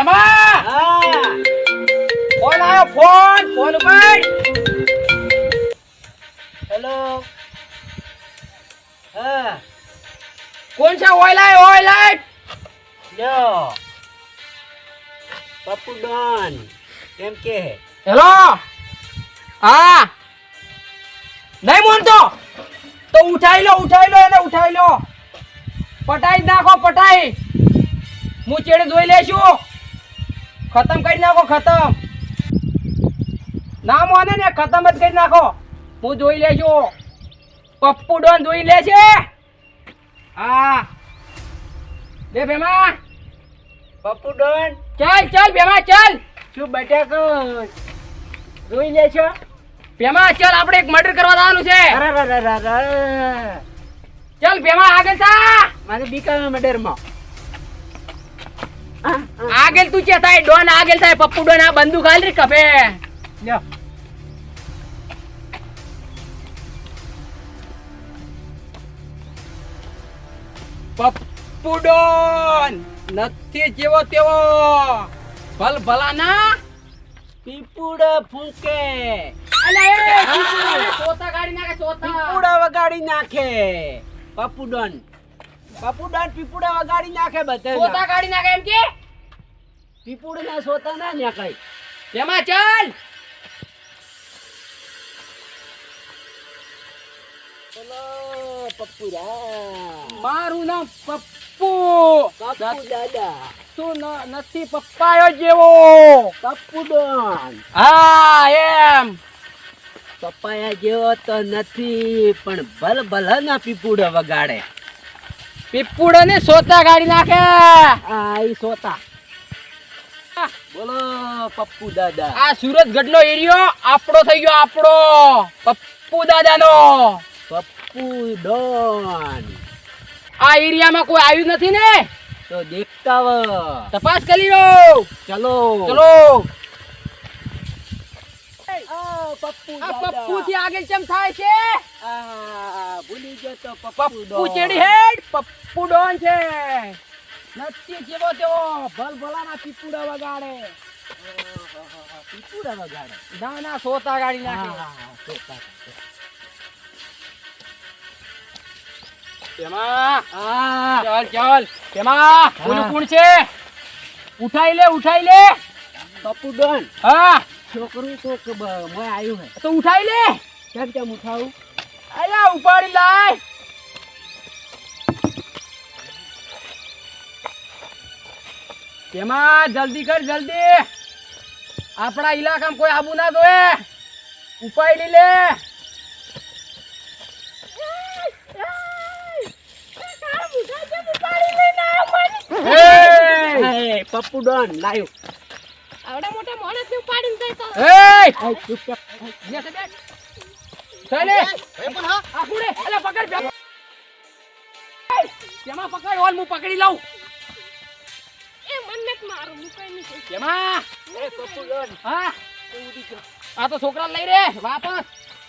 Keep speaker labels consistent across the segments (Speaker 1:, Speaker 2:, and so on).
Speaker 1: ભેમા
Speaker 2: હા
Speaker 1: ફોન આવ્યો ફોન ઉપર
Speaker 2: હેલો હા
Speaker 1: કોણ છે ઓય
Speaker 2: લ્યો પપ્પુ ડોન કેમ કે
Speaker 1: હેલો હા નહીં બોલતો તો ઉઠાઈ લો એને ઉઠાઈ લો પટાઈ જ નાખો પટાઈ હું ચેડે જોઈ લેશું ખતમ કરી નાખો ખતમ ના મોને ને ખતમ જ કરી નાખો હું જોઈ લેશું પપ્પુ ડોન જોઈ લે છે હા લે ભેમા
Speaker 2: પપ્પુ ડોન
Speaker 1: ચાલ ભેમા ચાલ
Speaker 2: શું બટાકો જોઈ લે છો
Speaker 1: ભેમા ચાલ આપણે એક મર્ડર કરવા જવાનું છે
Speaker 2: અરે
Speaker 1: ચાલ ભેમા આગળ થા
Speaker 2: મારે બીકાનો મર્ડરમાં
Speaker 1: આગળ તું છે થાય ડોન આગળ થાય પપ્પુ ડોન આ બંદૂક હાલ રે કફે
Speaker 2: લ્યો
Speaker 1: પપ્પુ ડોન નથી જેવો તેવો ભલ ભલાના
Speaker 2: પીપુડા ફૂંકે
Speaker 1: અલે એ સોતા ગાડી નાખે સોતા
Speaker 2: પીપુડા વગાડી નાખે પપ્પુ ડોન પીપુડા વગાડી નાખે બધે
Speaker 1: સોતા ગાડી નાખે એમ કે
Speaker 2: પીપુડા ના સોતા ના નાખાય
Speaker 1: ભેમા ચાલ
Speaker 2: બોલો પપ્પુ રા
Speaker 1: મારું નામ પપ્પુ
Speaker 2: પપ્પુ દાદા
Speaker 1: તું નથી પપ્પાયો જેવો
Speaker 2: પપ્પુ ડોન
Speaker 1: હા એમ
Speaker 2: પપ્પાયા જેવો તો નથી પણ ભલ ભલા ના પીપુડા વગાડે
Speaker 1: પીપુડો ને સોતા ગાડી નાખે
Speaker 2: આ ઈ સોતા બોલો પપ્પુ દાદા
Speaker 1: આ સુરતગઢ નો એરિયો આપણો થઈ ગયો આપણો પપ્પુ દાદાનો
Speaker 2: પપ્પુ ડોન
Speaker 1: આ એરિયામાં કોઈ આવ્યું નથી ને
Speaker 2: તો દેખતા વ
Speaker 1: તપાસ કરી લો
Speaker 2: ચલો
Speaker 1: ચલો
Speaker 2: પપ્પુ
Speaker 1: આ પપ્પુ થી આગળ ચમ થાય છે
Speaker 2: ભૂલી ગયો તો
Speaker 1: પપ્પુ ચેડી હેડ પપ્પુ ડોન છે નથી જેવો તેવો ભલ ભલાના પીપુડા વગાડે
Speaker 2: પીપુડા વગાડે
Speaker 1: ના ના સોતા ગાડી નાખે
Speaker 2: સોતા
Speaker 1: એમાં ચાલ એમાં બોલું કોણ છે ઉઠાઈ લે
Speaker 2: પપ્પુ ડોન
Speaker 1: હા
Speaker 2: છોકરું તો મોય આવ્યું હે
Speaker 1: તો ઉઠાઈ લે
Speaker 2: કેમ ઉઠાવું
Speaker 1: અલ્યા ઉપાડી લાય એમાં જલ્દી કર જલ્દી આપણા ઇલાકામાં કોઈ આબુ ના જોએ ઉપાડી લે
Speaker 2: પપ્પુ ડોન લાયો
Speaker 3: આવડા મોટા માણસ ને ઉપાડીને જાય તો
Speaker 2: ચૂપ
Speaker 1: ચાલે આ કુડે અલે પકડ કેમાં પકડ ઓલ હું પકડી લઉં
Speaker 3: એ મન નત મારું મુકાઈ નહીં
Speaker 1: કેમાં
Speaker 2: પપ્પુ ડોન
Speaker 1: હા આ તો છોકરા લઈ રે વાપસ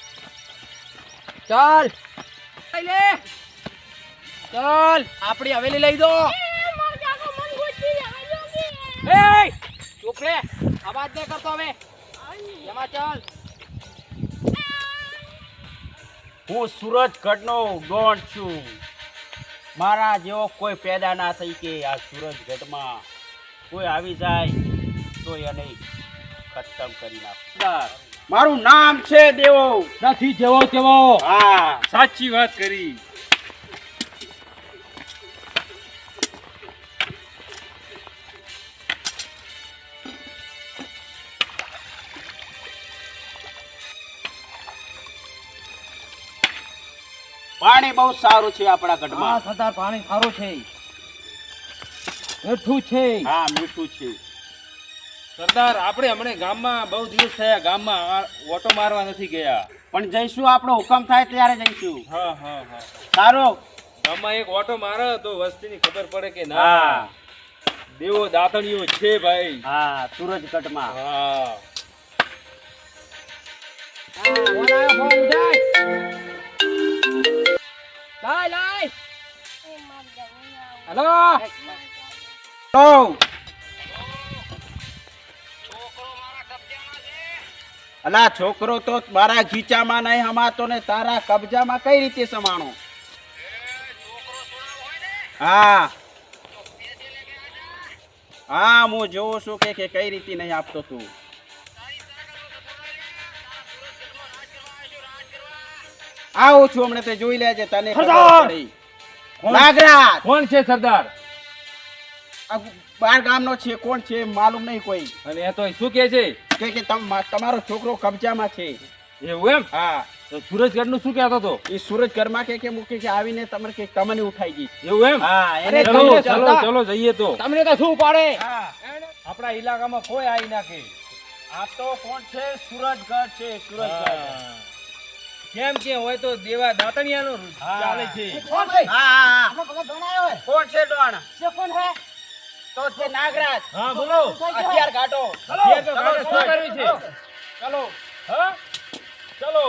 Speaker 1: ચાલ લે ચાલ આપણી હવેલી લઈ દો
Speaker 3: એ માર જાગો મન ગોતી આવ્યો
Speaker 1: એ ચૂપ રે અવાજ ન કરતો હવે એમાં ચાલ
Speaker 2: હું સુરતગઢનો ડોન છું મારા જેવો કોઈ પેદા ના થઈ કે આ સુરતગઢમાં કોઈ આવી જાય તો એને ખતમ કરી નાખ મારું નામ છે દેવો
Speaker 1: નથી જેવો તેવો
Speaker 2: હા
Speaker 1: સાચી વાત કરી
Speaker 2: પાણી બહુ સારું છે આપણા ગઢમાં
Speaker 1: સરદાર પાણી સારું છે મીઠું છે
Speaker 2: હા મીઠું છે
Speaker 4: સરદાર આપણે હમણે ગામમાં બહુ દિવસ થયા ગામમાં ઓટો મારવા નથી ગયા
Speaker 2: પણ જઈશું આપણો હુકમ થાય ત્યારે જઈશું
Speaker 4: હા
Speaker 2: સારું
Speaker 4: ગામમાં એક ઓટો મારે તો વસ્તીની ખબર પડે કે ના
Speaker 2: હા
Speaker 4: દેવો દાતણીઓ છે ભાઈ
Speaker 2: હા સુરજગઢમાં
Speaker 4: હા
Speaker 1: લાય
Speaker 3: એ માર જાગો
Speaker 1: હેલો
Speaker 2: તો અલા છોકરો તો મારા ખીચામાં નહીં હમાતો ને તારા કબજામાં કઈ રીતે સમાણો? હા હા હું જોઉં છું કે કઈ રીતે નહીં આપતો તું. આવું છું હમણાં તે જોઈ લેજે તને ખબર
Speaker 4: સરદાર!
Speaker 2: પડી. નાગરાજ
Speaker 4: કોણ છે સરદાર?
Speaker 2: આ બાર ગામનો છે, કોણ છે માલુમ નહીં કોઈ.
Speaker 4: અને એ તો શું કે છે?
Speaker 2: કે તમારો છોકરો કબજામાં છે.
Speaker 4: એવું એમ?
Speaker 2: હા
Speaker 4: તો સુરજગઢ નું શું કહેતો હતો?
Speaker 2: એ સુરજ ઘરમાં કે મૂકે કે આવીને તમને કે તમને ઉઠાઈ ગઈ.
Speaker 4: એવું એમ?
Speaker 2: હા એને
Speaker 4: ચલો
Speaker 2: કહીએ
Speaker 4: ચલો
Speaker 2: સરદાર.
Speaker 4: ચલો જઈએ તો.
Speaker 1: તમને તો શું પાડે?
Speaker 2: હા
Speaker 4: આપણા ઇલાકામાં કોઈ આવી નાખે.
Speaker 2: આ તો કોણ છે? સુરજગઢ છે, સુરજગઢ.
Speaker 4: કેમ કે હોય તો દેવા દાતણિયાનો ચાલે છે.
Speaker 1: કોણ છે?
Speaker 2: હા હા
Speaker 1: આપણો ભગત દોણાયો હોય.
Speaker 2: કોણ છે ડોણ?
Speaker 1: છે કોણ હે?
Speaker 2: તો છે નાગરાજ.
Speaker 4: હા બોલો.
Speaker 2: હથિયાર કાઢો.
Speaker 4: હથિયાર તો કાઢો,
Speaker 2: ચલો,
Speaker 4: શું કર્યું છે?
Speaker 2: ચલો
Speaker 4: હા ચલો.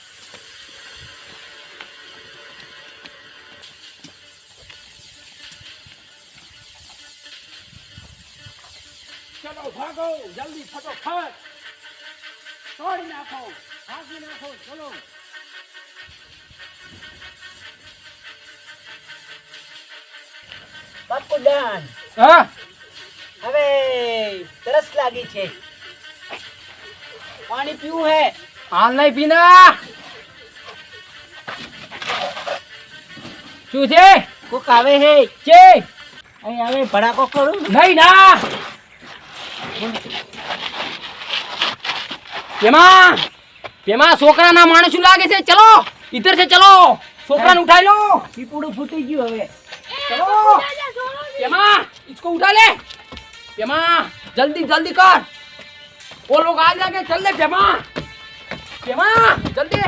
Speaker 1: ચલો ભાગો જલ્દી ફટોફટ તોડી નાખો ભાગી નાખો ચલો
Speaker 5: બાપુ દાન
Speaker 1: હા
Speaker 5: હવે તરસ લાગી છે પાણી પીવું હે
Speaker 1: હાલ નહીં પીના શું છે
Speaker 5: કોક આવે હે
Speaker 1: છે
Speaker 5: અહીં આવે ભડાકો કરું
Speaker 1: નહીં ના પેમાં પેમાં છોકરાના માણસ શું લાગે છે ચલો ઇધર से चलो છોકરાને ઉઠાઈ લો
Speaker 5: પીપુડું ફૂટી ગયું હવે
Speaker 1: चलो पेमा इसको उठा ले पेमा जल्दी जल्दी कर वो लोग आ जाएंगे चल ले पेमा पेमा जल्दी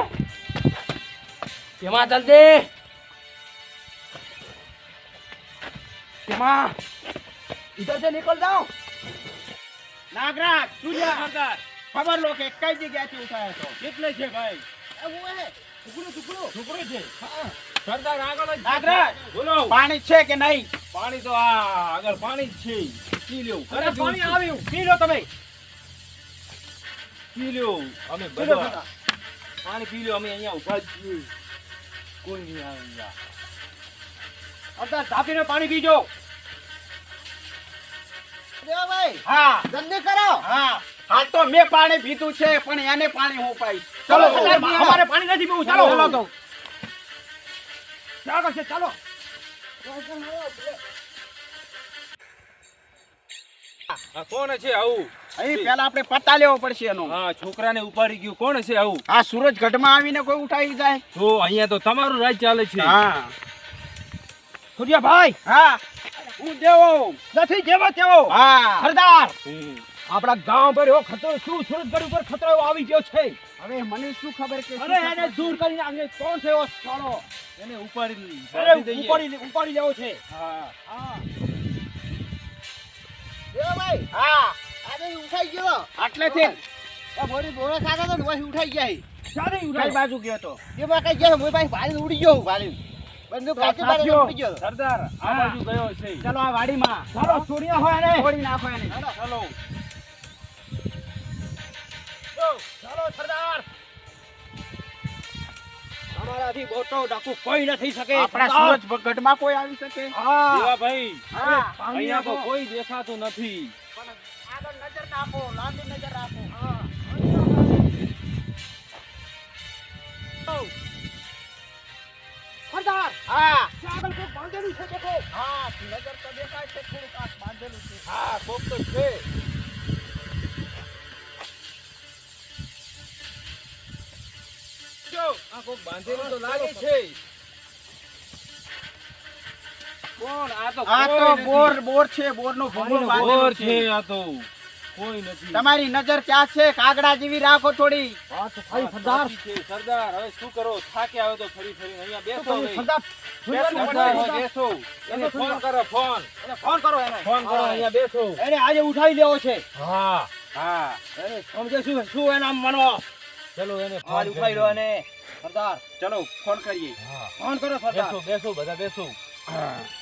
Speaker 1: पेमा जल्दी पेमा इधर से निकल जाओ
Speaker 2: નાગરાજ સુજા
Speaker 4: સરદાર
Speaker 2: ખબર લો કે કઈ જગ્યાથી ઉઠાયો છો.
Speaker 4: કેટલે છે ભાઈ? છોકરો છે. સરદાર આગળ જ છે.
Speaker 2: નાગરાજ
Speaker 4: બોલો.
Speaker 2: પાણી છે કે નહીં?
Speaker 4: પાણી તો આ આગળ પાણી જ છે. પી લ્યો.
Speaker 1: अरे पानी આવ્યું પી લો તમે
Speaker 4: પી લ્યો. અમે બધા પાણી પી લ્યો. અમે અહીંયા ઉભા જ છીએ. કોઈ નહીં આવે અહીંયા.
Speaker 1: અંદર ધાપીને પાણી પીજો
Speaker 5: દેવાભાઈ
Speaker 2: હા
Speaker 5: જલ્દી કરો
Speaker 2: હા હાલ તો મેં પાણી પીધું છે પણ એને પાણી હું પાઈશ.
Speaker 1: चलो
Speaker 2: ચલો
Speaker 1: हमारे पानी नहीं पीવું
Speaker 2: ચાલો
Speaker 1: चलो
Speaker 2: તો
Speaker 1: क्या करছে चलो
Speaker 4: આ કોણ છે આવું?
Speaker 2: અહીં પેલા આપણે પતા લેવો પડશે એનો.
Speaker 4: હા છોકરાને ઉપાડી ગયું. કોણ છે આવું?
Speaker 2: આ સુરજગઢમાં આવીને કોઈ ઉઠાવી જાય?
Speaker 4: તો અહીંયા તો તમારું રાજ ચાલે છે.
Speaker 2: હા
Speaker 1: सूर्या भाई
Speaker 2: હા હું દેવો
Speaker 1: નથી જેવો તેવો
Speaker 2: હા
Speaker 1: સરદાર
Speaker 4: હમ.
Speaker 1: આપણા ગામ પર એવો ખતરો શું સુરતગઢ ઉપર ખતરો એવો આવી ગયો છે
Speaker 2: હવે મને શું ખબર કે
Speaker 1: અરે એને દૂર કરીને આગે કોણ છે એવો સાળો
Speaker 4: એને ઉપાડી
Speaker 1: અરે
Speaker 4: દઈએ.
Speaker 1: ઉપાડી લેવો છે
Speaker 2: હા
Speaker 1: હા
Speaker 5: દેવાભાઈ
Speaker 2: હા
Speaker 5: આજે ઉઠાઈ ગયો
Speaker 2: આટલેથી
Speaker 5: આ બોરી બોરા ખાતા તો વહી ઉઠાઈ ગયા
Speaker 1: ચાલે
Speaker 2: કઈ
Speaker 1: ઉઠાઈ
Speaker 2: બાજુ ગયો તો?
Speaker 5: એમાં કઈ ગયા મોય ભાઈ ભારી ઉડી ગયો હું ભારી બંદૂક કાચી બારે
Speaker 2: સાથીઓ.
Speaker 5: ઉડી ગયો
Speaker 4: સરદાર આ
Speaker 2: હા.
Speaker 4: બાજુ ગયો છે.
Speaker 2: ચલો આ વાડીમાં
Speaker 1: ચાલો છોડ્યા હોય ને
Speaker 2: છોડી નાખો એને.
Speaker 4: ચલો.
Speaker 1: ચાલો સરદાર તમારાથી મોટો ડાકુ કોઈ ન થઈ શકે
Speaker 2: આપણા
Speaker 1: સરદાર.
Speaker 2: સુરજગઢમાં કોઈ આવી શકે?
Speaker 1: હા
Speaker 4: દેવાભાઈ
Speaker 2: હા
Speaker 4: અહીંયા તો કોઈ દેખાતું નથી.
Speaker 2: પણ આગળ નજર નાખો, લાંબી નજર રાખો.
Speaker 1: સરદાર
Speaker 2: હા
Speaker 1: ત્યાં આગળ કોઈ બાંધેલું છે દેખો
Speaker 2: હા નજર તો દેખાય છે, થોડુંક આ બાંધેલું છે.
Speaker 4: હા કોક તો છે. જો આ કોક બાંધેલું તો લાગે છે. કોણ? આ તો
Speaker 2: આ તો
Speaker 4: કોઈ નથી.
Speaker 2: બોર છે, બોરનો ભૂંગળો
Speaker 4: બોર
Speaker 2: બાંધેલો
Speaker 4: છે
Speaker 2: છે.
Speaker 4: આ તો કોઈ નથી.
Speaker 2: તમારી નજર ક્યાં છે? કાગડા જેવી રાખો થોડી.
Speaker 1: હા તો ભાઈ
Speaker 4: હા,
Speaker 1: સરદાર
Speaker 4: સાચી છે. સરદાર હવે શું કરો? થાકે આવ્યો તો ફરી ફરી અહીંયા બેસો હવે.
Speaker 1: સરદાર
Speaker 4: સરદાર હવે બેસો. એને ફોન કરો ફોન.
Speaker 1: એને ફોન કરો એને
Speaker 4: ફોન કરો અહીંયા બેસો.
Speaker 1: એને આજે ઉઠાવી લેવો છે
Speaker 4: હા
Speaker 2: હા
Speaker 1: એને સમજે શું એના મનમાં
Speaker 4: ચલો એને
Speaker 1: ફોન
Speaker 4: ફોન
Speaker 1: ઉઠાવી લો એને સરદાર
Speaker 2: ચલો ફોન કરીએ.
Speaker 4: હા
Speaker 1: ફોન કરો સરદાર
Speaker 4: બેસો બેસો બધા બેસો.
Speaker 2: હા